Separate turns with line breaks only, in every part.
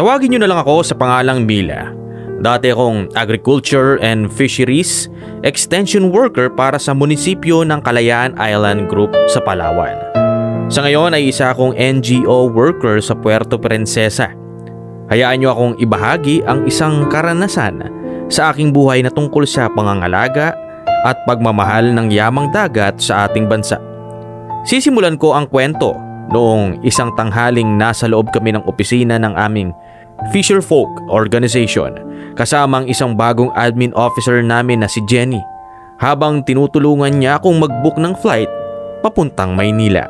Tawagin niyo na lang ako sa pangalang Mila. Dati akong Agriculture and Fisheries Extension Worker para sa munisipyo ng Kalayaan Island Group sa Palawan. Sa ngayon ay isa akong NGO worker sa Puerto Princesa. Hayaan niyo akong ibahagi ang isang karanasan sa aking buhay na tungkol sa pangangalaga at pagmamahal ng yamang dagat sa ating bansa. Sisimulan ko ang kwento noong isang tanghaling nasa loob kami ng opisina ng aming Fisherfolk Organization kasamang isang bagong admin officer namin na si Jenny habang tinutulungan niya akong mag-book ng flight papuntang Maynila.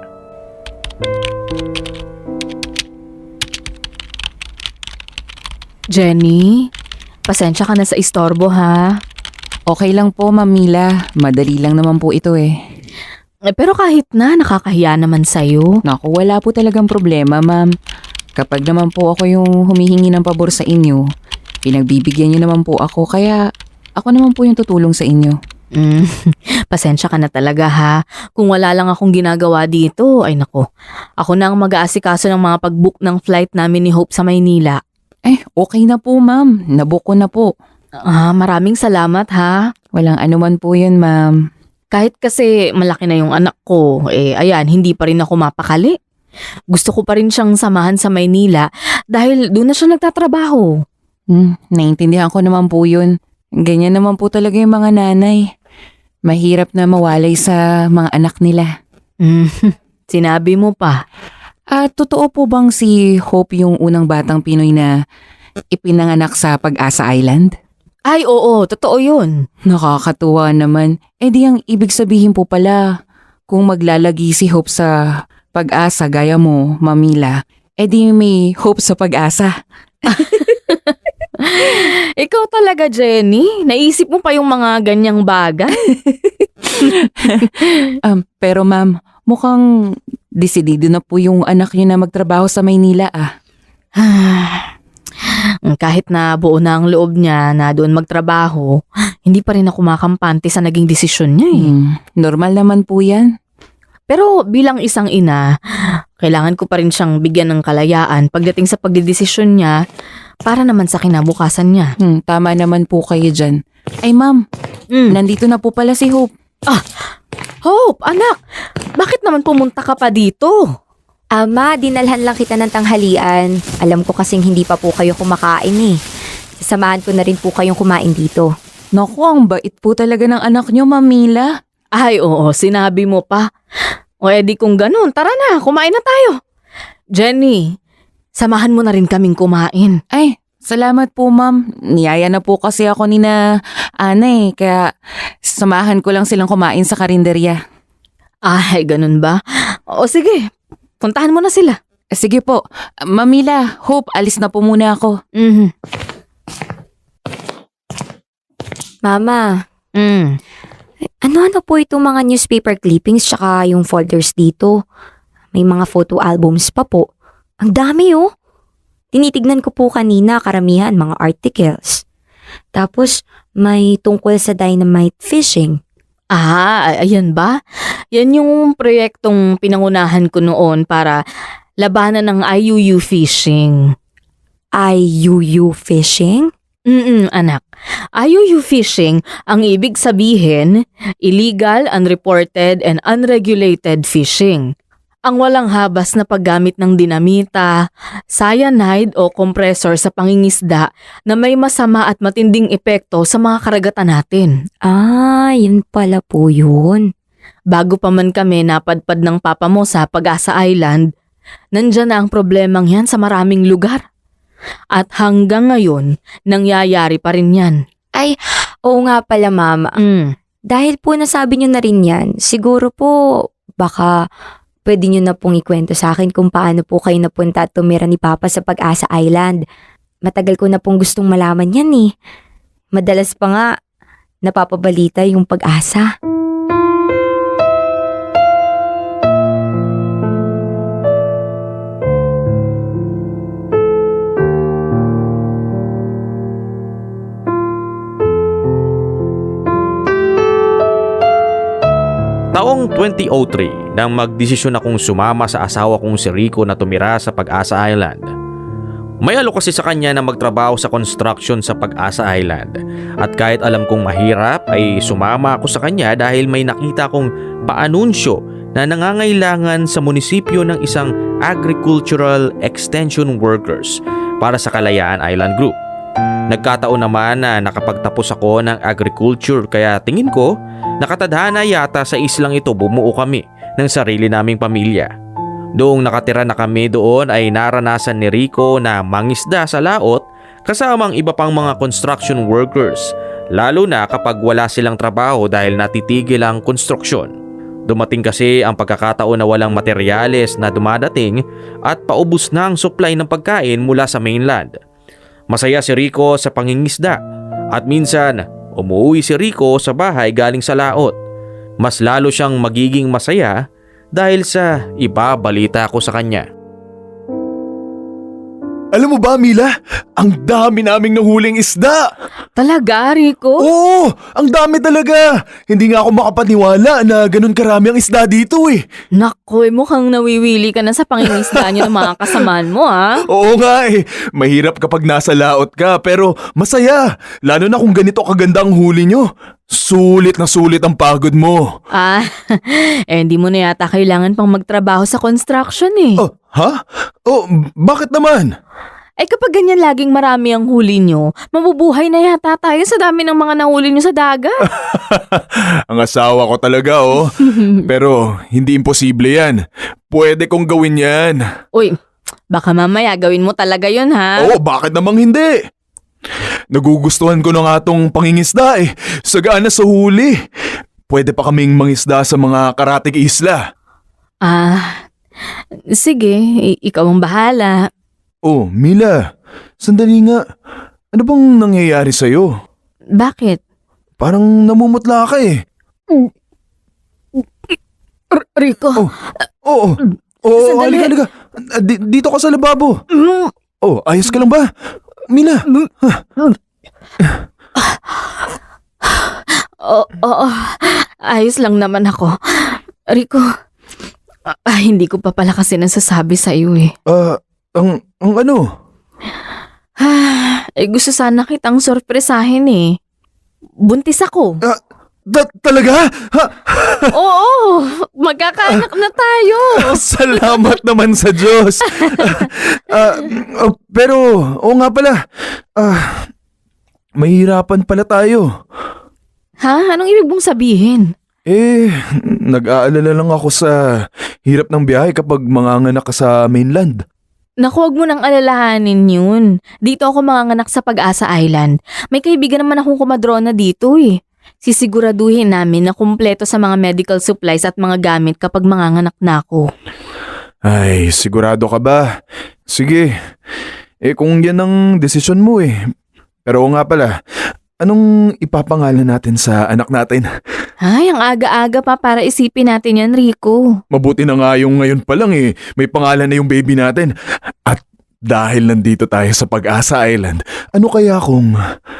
Jenny, pasensya ka na sa istorbo ha.
Okay lang po, Ma'am Mila. Madali lang naman po ito eh.
Pero kahit na, nakakahiya naman sa'yo.
Naku, wala po talagang problema, Ma'am. Kapag naman po ako yung humihingi ng pabor sa inyo, pinagbibigyan niyo naman po ako, kaya ako naman po yung tutulong sa inyo.
Pasensya ka na talaga ha. Kung wala lang akong ginagawa dito, ay nako. Ako na ang mag-aasikaso ng mga pag-book ng flight namin ni Hope sa Maynila.
Okay na po, Ma'am. Nabook ko na po.
Maraming salamat ha.
Walang anuman po yun, Ma'am.
Kahit kasi malaki na yung anak ko, ayan, hindi pa rin ako mapakali. Gusto ko pa rin siyang samahan sa Maynila dahil doon na siya nagtatrabaho.
Naintindihan ko naman po yun. Ganyan naman po talaga yung mga nanay. Mahirap na mawalay sa mga anak nila.
Sinabi mo pa.
Totoo po bang si Hope yung unang batang Pinoy na ipinanganak sa Pag-asa Island?
Ay oo, totoo yun.
Nakakatuwa naman. Di ang ibig sabihin po pala, kung maglalagi si Hope sa Pag-asa gaya mo, Mamila, di may hope sa pag-asa.
Ikaw talaga, Jenny. Naisip mo pa yung mga ganyang bagay.
Pero ma'am, mukhang desidido na po yung anak niyo na magtrabaho sa Maynila
Kahit na buo na ang loob niya na doon magtrabaho, hindi pa rin ako makampante sa naging desisyon niya
Normal naman po yan.
Pero bilang isang ina, kailangan ko pa rin siyang bigyan ng kalayaan pagdating sa pagdedesisyon niya para naman sa kinabukasan niya.
Tama naman po kayo dyan. Ay ma'am, nandito na po pala si Hope.
Hope, anak, bakit naman pumunta ka pa dito?
Ma, dinalhan lang kita ng tanghalian. Alam ko kasing hindi pa po kayo kumakain. Sasamahan ko na rin po kayong kumain dito.
Naku, ang bait po talaga ng anak niyo, Mamila.
Ay oo, sinabi mo pa. O edi kung ganun, tara na, kumain na tayo. Jenny, samahan mo na rin kaming kumain.
Ay, salamat po ma'am. Niyaya na po kasi ako ni na Ana kaya samahan ko lang silang kumain sa karinderya.
Ay, ganun ba? O sige, puntahan mo na sila.
Sige po. Mamila, Hope, alis na po muna ako.
Mama, ano-ano po itong mga newspaper clippings tsaka yung folders dito? May mga photo albums pa po. Ang dami Tinitignan ko po kanina, karamihan mga articles. Tapos may tungkol sa dynamite fishing.
Ayan ba? Yan yung proyektong pinangunahan ko noon para labanan ng IUU fishing.
IUU fishing?
Anak. IUU fishing, ang ibig sabihin, illegal, unreported, and unregulated fishing. Ang walang habas na paggamit ng dinamita, cyanide o compressor sa pangingisda na may masama at matinding epekto sa mga karagatan natin.
Yun pala po yun.
Bago pa man kami napadpad ng papa mo sa Pag-asa Island, nandyan na ang problemang yan sa maraming lugar. At hanggang ngayon, nangyayari pa rin yan.
Ay, oo nga pala mama. Dahil po nasabi nyo na rin yan, siguro po baka pwede nyo na pong ikwento sa akin kung paano po kayo napunta at tumira ni Papa sa Pag-asa Island. Matagal ko na pong gustong malaman yan Madalas pa nga napapabalita yung Pag-asa.
Taong 2003 nang magdesisyon akong sumama sa asawa kong si Rico na tumira sa Pag-asa Island. May alok kasi sa kanya na magtrabaho sa construction sa Pag-asa Island. At kahit alam kong mahirap ay sumama ako sa kanya dahil may nakita kong paanunsyo na nangangailangan sa munisipyo ng isang agricultural extension workers para sa Kalayaan Island Group. Nagkataon naman na nakapagtapos ako ng agriculture kaya tingin ko nakatadhana yata sa islang ito bumuo kami ng sarili naming pamilya. Noong nakatira na kami doon ay naranasan ni Rico na mangisda sa laot kasama ang iba pang mga construction workers, lalo na kapag wala silang trabaho dahil natitigil ang konstruksyon. Dumating kasi ang pagkakataon na walang materyales na dumadating at paubos na ang supply ng pagkain mula sa mainland. Masaya si Rico sa pangingisda at minsan umuwi si Rico sa bahay galing sa laot. Mas lalo siyang magiging masaya dahil sa ibabalita ko sa kanya.
Alam mo ba, Mila? Ang dami naming nahuling isda!
Talaga, Rico?
Oo! Ang dami talaga! Hindi nga ako makapaniwala na ganun karami ang isda dito eh.
Naku, mukhang nawiwili ka na sa pangingisda niyo ng mga kasamaan mo, ha?
Oo nga eh. Mahirap kapag nasa laot ka pero masaya. Lalo na kung ganito kaganda ang huli nyo. Sulit na sulit ang pagod mo.
Hindi mo na yata kailangan pang magtrabaho sa construction eh.
Oh, ha? Oh, bakit naman?
Kapag ganyan laging marami ang huli nyo, mabubuhay na yata tayo sa dami ng mga nahuli nyo sa dagat.
Ang asawa ko talaga oh. Pero hindi imposible yan. Pwede kong gawin yan.
Uy, baka mamaya gawin mo talaga yun, ha?
Oo, bakit namang hindi? Nagugustuhan ko na nga tong pangingisda eh. Sagana sa huli. Pwede pa kaming mangisda sa mga karatig isla.
Sige, ikaw ang bahala.
Oh, Mila. Sandali nga. Ano bang nangyayari sa'yo?
Bakit?
Parang namumutla ka eh.
Rico.
Oo.
Sandali.
Halika. Dito ka sa lababo. Oh, ayos ka lang ba? Mila.
Oo. Ayos lang naman ako. Rico, hindi ko pa pala kasi nasasabi sa iyo eh.
Ang ano?
Gusto sana kitang sorpresahin eh. Buntis ako.
Talaga?
Oo, magkakaanak na tayo.
Salamat naman sa Diyos. Pero, oo nga pala. Mahirapan pala tayo.
Ha? Anong ibig mong sabihin?
Nag-aalala lang ako sa hirap ng biyahe kapag manganganak ka sa mainland.
Naku, huwag mo nang alalahanin yun. Dito ako manganganak sa Pag-asa Island. May kaibigan naman akong kumadrona dito eh. Sisiguraduhin namin na kumpleto sa mga medical supplies at mga gamit kapag manganganak na ako.
Ay, sigurado ka ba? Sige. Kung yan ang desisyon mo eh. Pero oo nga pala, anong ipapangalan natin sa anak natin?
Ay, ang aga-aga pa para isipin natin yan, Rico.
Mabuti na nga yung ngayon pa lang eh. May pangalan na yung baby natin. At dahil nandito tayo sa Pag-asa Island, ano kaya kung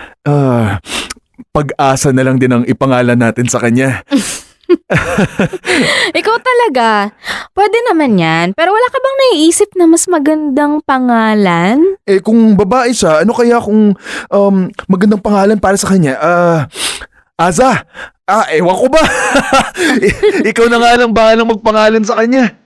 Pag-asa na lang din ang ipangalan natin sa kanya?
Ikaw talaga. Pwede naman yan. Pero wala ka bang naiisip na mas magandang pangalan?
Kung babae siya, ano kaya kung magandang pangalan para sa kanya? Aza! Ewan ko ba? Ikaw na nga lang bahalang magpangalan sa kanya.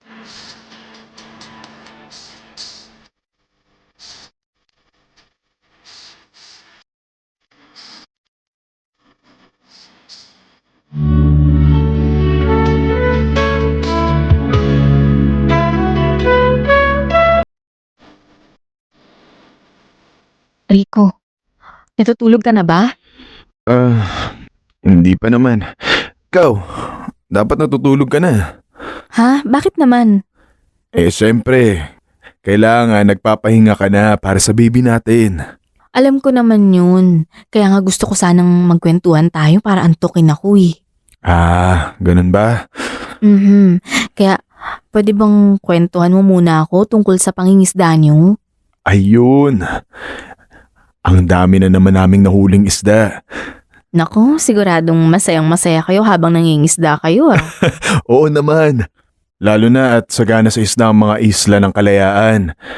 Rico, natutulog ka na ba?
Hindi pa naman. Ikaw, dapat natutulog ka na.
Ha? Bakit naman?
Siyempre, kailangan nagpapahinga ka na para sa baby natin.
Alam ko naman yun. Kaya nga gusto ko sanang magkwentuhan tayo para antukin ako eh.
Ganun ba?
Kaya pwede bang kwentuhan mo muna ako tungkol sa pangingisda niyo?
Ayun. Ang dami na naman naming nahuling isda.
Nako, siguradong masayang-masaya kayo habang nangingisda kayo ah.
Oo naman. Lalo na at sagana sa isda ang mga isla ng Kalayaan.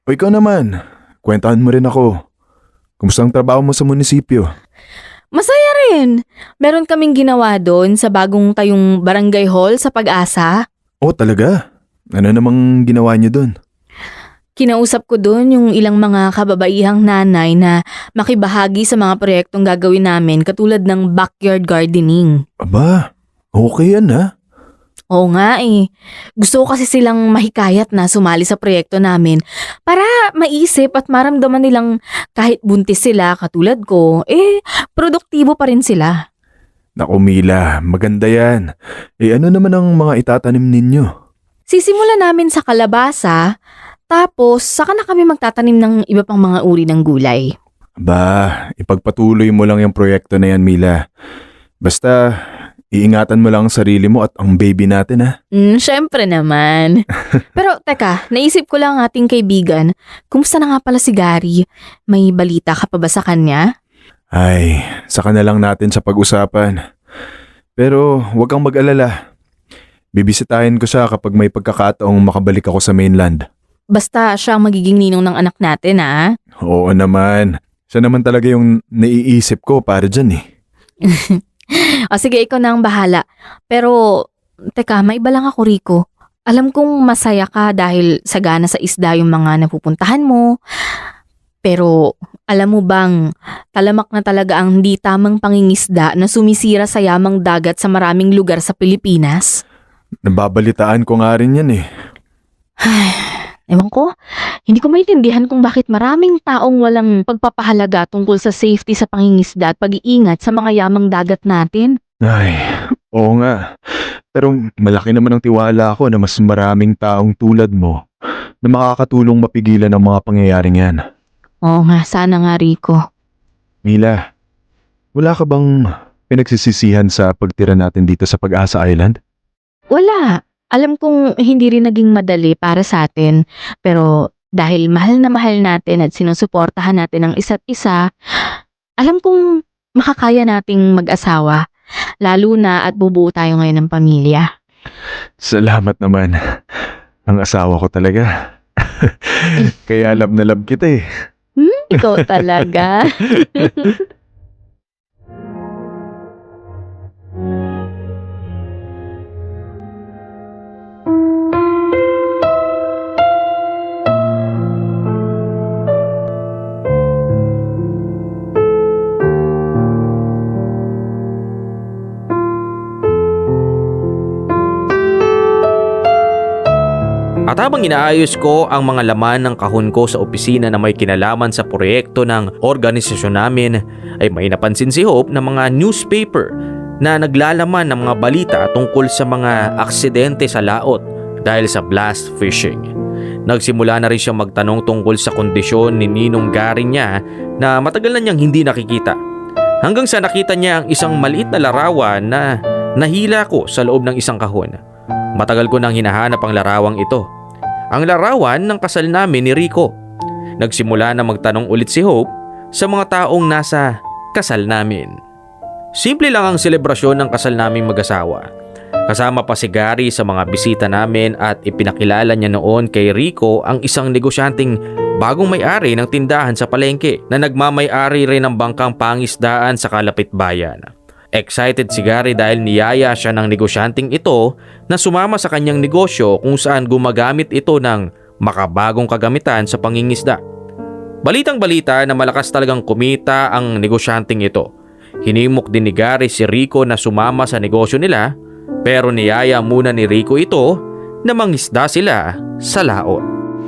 O ikaw naman, kwentahan mo rin ako. Kumusta ang trabaho mo sa munisipyo?
Masaya rin. Meron kaming ginawa doon sa bagong tayong barangay hall sa Pag-asa.
Oh, talaga? Ano namang ginawa niyo doon?
Kinausap ko doon yung ilang mga kababaihang nanay na makibahagi sa mga proyektong gagawin namin katulad ng backyard gardening.
Aba, okay yan ha?
Oo nga eh. Gusto ko kasi silang mahikayat na sumali sa proyekto namin para maisip at maramdaman nilang kahit buntis sila katulad ko, produktibo pa rin sila.
Naku Mila, maganda yan. Ano naman ang mga itatanim ninyo?
Sisimula namin sa kalabasa, tapos saka na kami magtatanim ng iba pang mga uri ng gulay.
Aba, ipagpatuloy mo lang yung proyekto na yan Mila. Basta, iingatan mo lang ang sarili mo at ang baby natin ha.
Syempre naman. Pero teka, naisip ko lang ang ating kaibigan. Kumusta na nga pala si Gary? May balita ka pa ba sa kanya?
Ay, saka na lang natin sa pag-usapan. Pero huwag kang mag-alala. Bibisitahin ko siya kapag may pagkakataong makabalik ako sa mainland.
Basta siya ang magiging ninong ng anak natin ha?
Oo naman. Siya naman talaga yung naiisip ko para dyan eh.
O sige, ikaw na ang bahala. Pero, teka, may iba lang ako, Rico. Alam kong masaya ka dahil sagana sa isda yung mga napupuntahan mo. Pero, alam mo bang, talamak na talaga ang hindi tamang pangingisda na sumisira sa yamang dagat sa maraming lugar sa Pilipinas?
Nababalitaan ko nga rin yan eh.
Ewan ko, hindi ko maintindihan kung bakit maraming taong walang pagpapahalaga tungkol sa safety sa pangingisda at pag-iingat sa mga yamang dagat natin.
Ay, oo nga. Pero malaki naman ang tiwala ko na mas maraming taong tulad mo na makakatulong mapigilan ang mga pangyayaring yan.
Oo nga, sana nga Rico.
Mila, wala ka bang pinagsisisihan sa pagtira natin dito sa Pag-asa Island?
Wala. Alam kong hindi rin naging madali para sa atin, pero dahil mahal na mahal natin at sinusuportahan natin ang isa't isa, alam kong makakaya nating mag-asawa, lalo na at bubuo tayo ngayon ng pamilya.
Salamat naman. Ang asawa ko talaga. Kaya love na love kita eh.
Ikaw talaga.
At habang inaayos ko ang mga laman ng kahon ko sa opisina na may kinalaman sa proyekto ng organisasyon namin, ay may napansin si Hope na mga newspaper na naglalaman ng mga balita tungkol sa mga aksidente sa laot dahil sa blast fishing. Nagsimula na rin siyang magtanong tungkol sa kondisyon ni Ninong Gary niya na matagal na niyang hindi nakikita. Hanggang sa nakita niya ang isang maliit na larawan na nahila ko sa loob ng isang kahon. Matagal ko nang hinahanap ang larawang ito. Ang larawan ng kasal namin ni Rico. Nagsimula na magtanong ulit si Hope sa mga taong nasa kasal namin. Simple lang ang selebrasyon ng kasal naming mag-asawa. Kasama pa si Gary sa mga bisita namin at ipinakilala niya noon kay Rico ang isang negosyanteng bagong may-ari ng tindahan sa palengke na nagmamay-ari rin ng bangkang pangisdaan sa kalapit bayan. Excited si Gary dahil niyaya siya ng negosyanteng ito na sumama sa kanyang negosyo kung saan gumagamit ito ng makabagong kagamitan sa pangingisda. Balitang-balita na malakas talagang kumita ang negosyanteng ito. Hinimok din ni Gary si Rico na sumama sa negosyo nila, pero niyaya muna ni Rico ito na mangisda sila sa laot.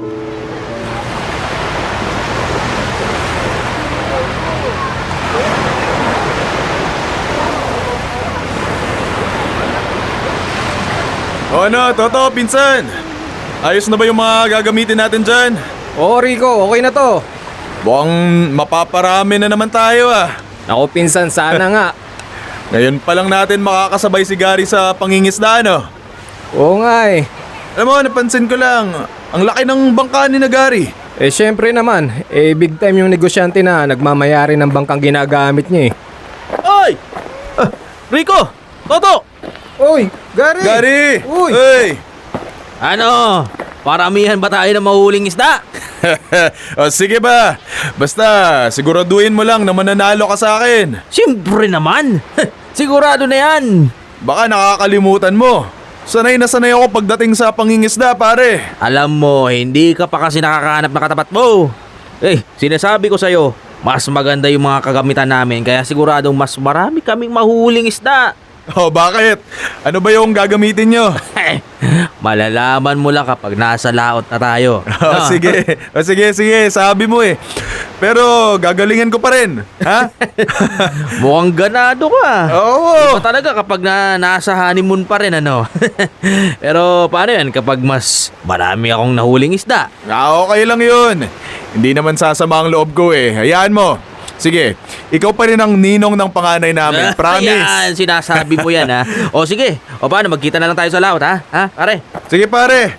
O ano, Toto, pinsan? Ayos na ba yung mga gagamitin natin dyan?
Oo Rico, okay na to.
Mukhang mapaparami na naman tayo ah.
Ako pinsan, sana nga.
Ngayon pa lang natin makakasabay si Gary sa pangingisda, no?
Oo nga eh.
Alam mo, napansin ko lang, ang laki ng bangka ni na Gary.
Eh syempre naman, big time yung negosyante na nagmamayari ng bangkang ginagamit niya eh.
Oy! Rico! Toto!
Uy, Gary!
Gary!
Uy!
Hey!
Ano? Paramihan ba tayo ng mahuling isda?
O sige ba? Basta siguraduhin mo lang na mananalo ka sa akin.
Siyempre naman! Sigurado na yan!
Baka nakakalimutan mo. Sanay na sanay ako pagdating sa pangingisda, pare.
Alam mo, hindi ka pa kasi nakakahanap na katapat mo. Sinasabi ko sa'yo, mas maganda yung mga kagamitan namin kaya siguradong mas marami kaming mahuhuling isda.
O bakit? Ano ba yung gagamitin nyo?
Malalaman mo lang kapag nasa laot na tayo.
Sige, sabi mo eh. Pero gagalingan ko pa rin, ha?
Mukhang ganado ka.
Oo.
Iba talaga kapag nasa honeymoon pa rin, ano? Pero paano yan kapag mas marami akong nahuling isda?
Okay lang yun. Hindi naman sasama ang loob ko eh. Hayaan mo. Sige, ikaw pa rin ang ninong ng panganay namin. Promise.
Ayan, sinasabi mo yan, ha? O sige, o paano, magkita na lang tayo sa laot, ha? Ha, pare?
Sige pare.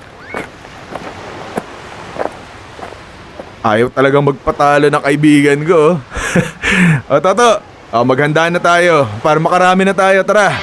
Ayaw talagang magpatalo ng kaibigan ko. O Toto, maghanda na tayo para makarami na tayo. Tara.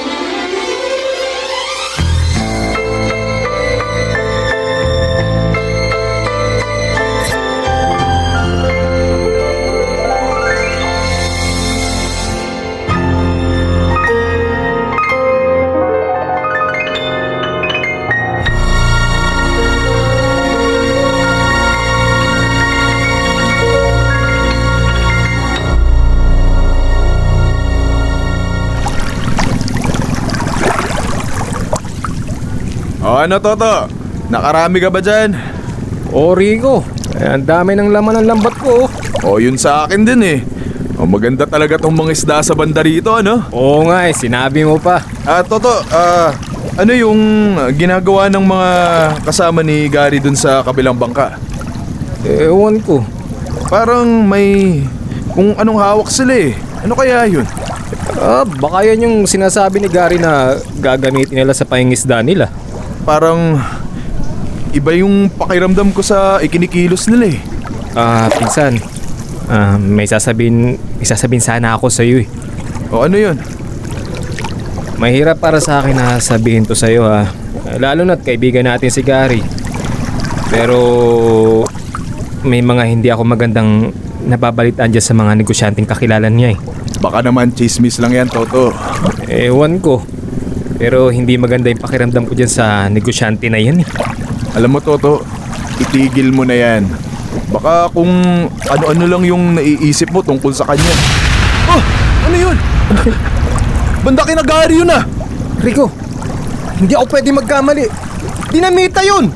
O ano Toto? Nakarami ka ba dyan?
Rico, ang dami ng laman ng lambat ko.
O yun sa akin din eh. Maganda talaga tong mga isda sa banda rito, ano?
Oo nga sinabi mo pa.
Toto, ano yung ginagawa ng mga kasama ni Gary dun sa kabilang bangka?
Ewan ko.
Parang may kung anong hawak sila eh. Ano kaya yun?
Baka yan yung sinasabi ni Gary na gagamitin nila sa pangingisda nila.
Parang iba yung pakiramdam ko sa ikinikilos nila eh.
Pinsan. May sasabihin sana ako sa iyo eh.
O ano yun?
Mahirap para sa akin na sabihin to sa iyo ha. Lalo na't kaibigan natin si Gary. Pero may mga hindi ako magandang nababalitaan dyan sa mga negosyanteng kakilala niya eh.
Baka naman chismis lang yan, Toto.
Ewan ko. Pero hindi maganda yung pakiramdam ko dyan sa negosyante na yan eh.
Alam mo, Toto, itigil mo na yan. Baka kung ano-ano lang yung naiisip mo tungkol sa kanya. Oh! Ano yun? Banda kina Gary yun ah!
Rico, hindi ako pwede magkamali. Dinamita yun!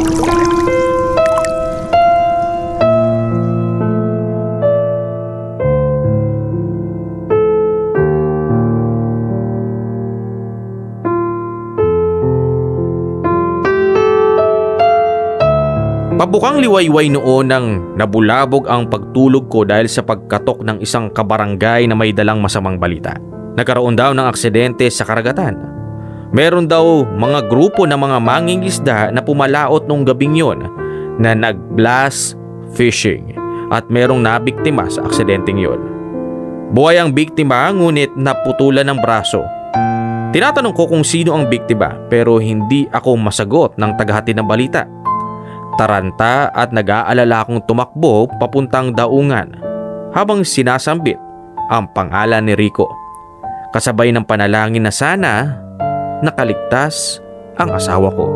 Pabukang liwayway noon nang nabulabog ang pagtulog ko dahil sa pagkatok ng isang kabarangay na may dalang masamang balita. Nagkaroon daw ng aksidente sa karagatan. Meron daw mga grupo ng mga mangingisda na pumalaot nung gabing yon na nag-blast fishing at merong nabiktima sa aksidenteng yon. Buhay ang biktima ngunit naputulan ng braso. Tinatanong ko kung sino ang biktima pero hindi ako masagot ng tagahatid ng balita. Taranta at nag-aalala akong tumakbo papuntang daungan habang sinasambit ang pangalan ni Rico. Kasabay ng panalangin na sana nakaligtas ang asawa ko.